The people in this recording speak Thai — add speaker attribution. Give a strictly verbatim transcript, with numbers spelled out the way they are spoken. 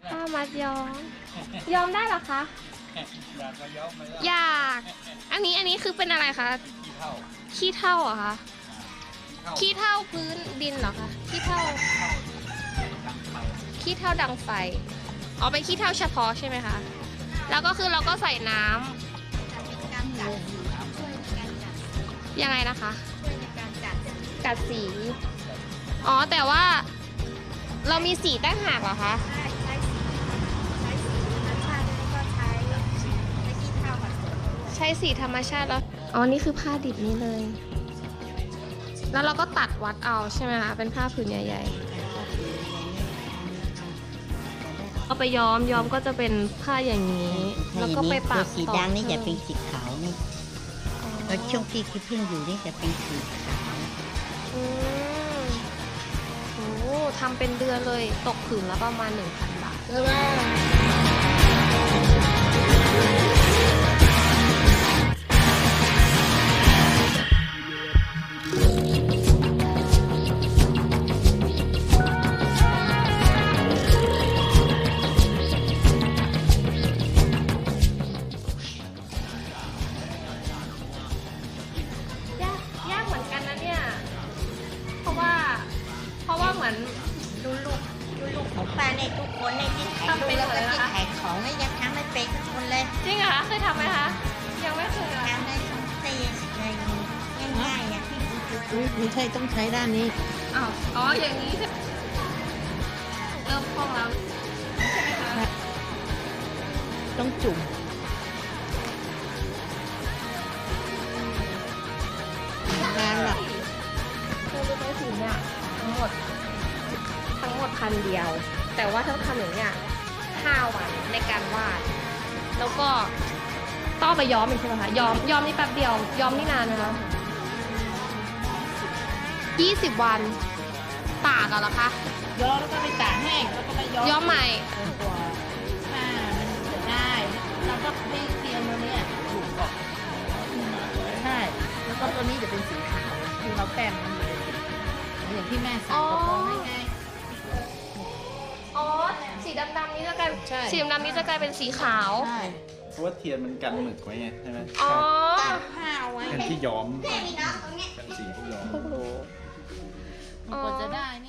Speaker 1: ผ้ามัดย้อมย้อมได้เหรอคะ
Speaker 2: อยากมาย้อมไหมล่ะ
Speaker 1: อยากอันนี้อันนี้คือเป็นอะไรคะ
Speaker 2: ขี้เท่า
Speaker 1: ขี้เถ้าเหรอคะ
Speaker 2: ขี้เท่า
Speaker 1: ขี้เถ้าพื้นดินเหรอคะขี้เถ้า
Speaker 2: ดังไฟ
Speaker 1: ขี้เถ้าดังไฟอ๋อเป็นขี้เถ้าเฉพาะใช่ไหมคะแล้วก็คือเราก็ใส่น้ำยังไงนะคะกัดสีอ๋อแต่ว่าเรามีสีตั้งหากเหรอคะใช้สีธรรมชาติแล้วอ๋อนี่คือผ้าดิบนี้เลยแล้วเราก็ตัดวัดเอาใช่ไหมคะเป็นผ้าผืนใหญ่ๆเอาไปย้อมย้อมก็จะเป็นผ้าอย่างนี้ แล้วก็ไปปัก
Speaker 3: สีแดงนี่จะเป็นสีขาวนี่แล้วช่วงที่คิดพึ่งอยู่นี่จะเป็นสีขาว
Speaker 1: อืมโอ้ทำเป็นเดือนเลยตกผืนละประมาณหนึ่งพันบาท ยากยากเหมือนกันนะเนี่ย เพราะว่า เพราะว่าเหมือนดูลูกดูลูก
Speaker 3: ของป้าในทุกคนในที่ขาย
Speaker 1: ทำเป็น
Speaker 3: แล้ว
Speaker 1: เล
Speaker 3: ก็
Speaker 1: ยเหรอ
Speaker 3: ที่
Speaker 1: คะ
Speaker 3: ขายของนี่ยังทำไม่เป็นทุกคนเลย
Speaker 1: จริงเหรอคะเคยทำไหมคะ ยังไม่เคยอะ
Speaker 3: ทำได้ทุกตีเลยง่ายๆอ่ะ
Speaker 4: ไม่ใช่ต้องใช้ด้านนี้
Speaker 1: อ้าวอ๋ออย่างนี้ใช่เริ่มคล่องแล้วใช่ไหมคะ
Speaker 4: ต้องจุ่ม
Speaker 1: งานแบบคือรู้ไหมถึงเนี่ยทั้งหมด ทั้งหมดพันเดียว แต่ว่าทั้งทำอย่างเนี้ยห้าวันในการวาด แล้วก็ต้องเอาไปย้อมอีกใช่ไหมคะ ย้อม ย้อมนี่แป๊บเดียว ย้อมนี่นานไหมคะยี่สิบวันตากอะเหรอคะ
Speaker 4: ย้อมแล้วก็ไปตากแห้งแล้วก็ไปย้อม
Speaker 1: ย้อมใหม่
Speaker 4: กว่าผ้ามันจะได้เราก็ให้เทียมตัวเนี้ยถูกออกใช่แล้วก็ตัวนี้จะเป็นสีขาวคือเราแป้งมันเลยอย่างที่แม่ใส่
Speaker 1: อ๋อ
Speaker 4: กระโปรงให้ไง
Speaker 1: อ๋อ สีดำๆนี้จะกลาย
Speaker 4: ใช่
Speaker 1: สีดำๆนี้จะกลายเป็นสีขาว
Speaker 4: ใช่
Speaker 2: เพราะว่าเทียนมันกันหมึกไว้ไงใช่ไหม
Speaker 1: อ๋อ
Speaker 4: ผ้าเอาไว้
Speaker 2: กันที่ย้อมกันสีที่ย้อม
Speaker 1: เพิ่งรู้
Speaker 4: มันกว่าจะได้